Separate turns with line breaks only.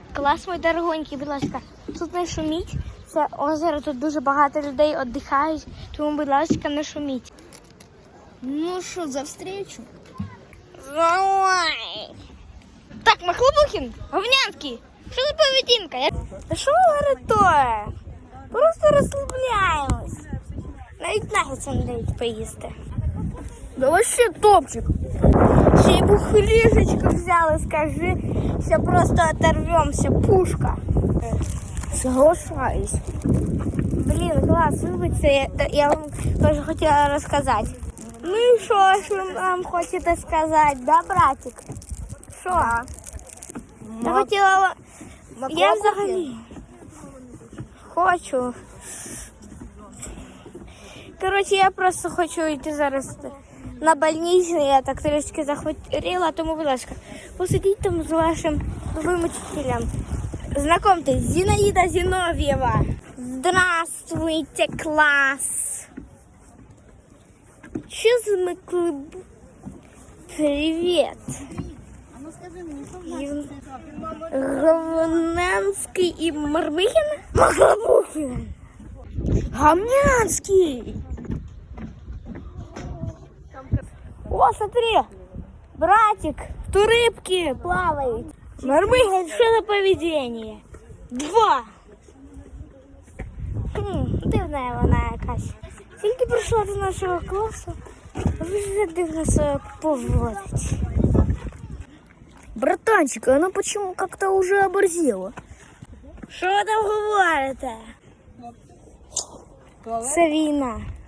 Клас, мой дорогонький, будь ласка, тут не шуміть. Це озеро, тут дуже багато людей віддихають, тому, будь ласка, не шуміть.
Ну что, за встречу?
Давай. Так, Махлобухін, Говнянський, що за поведінка? Та що ви рятує? Просто розслабляємось. Навіть нагетса не дають поїсти.
Да вообще топчик.
Ще й бухлішечку взяли, скажи, все просто оторвемся, пушка.
Соглашаюсь.
Блін, клас, вибачте, я вам теж хотіла розказати. Ну і що ж ви нам хочете сказати, да, братик? Що? Я хотіла... Я взагалі хочу. Коротше, я просто хочу йти зараз на больницю, я так трішки захворіла, тому, будь ласка, посидіть там з вашим новим учителем. Знакомьтесь, Зинаида Зиновьева. Здравствуйте, класс. Что за клуб? Привет.
А ну скажи мне, что
Говнянский и Мармыхин? Махлобухин. Говнянский. О, смотри, братик, тут рыбки плавают. Мармыхин, что за поведение? 2. Дивна вона якась. Тільки прийшла до нашого класу, вже дивно себе поводить.
Братанчик, она почему как-то уже оборзела?
Що ви там говорите? Це війна.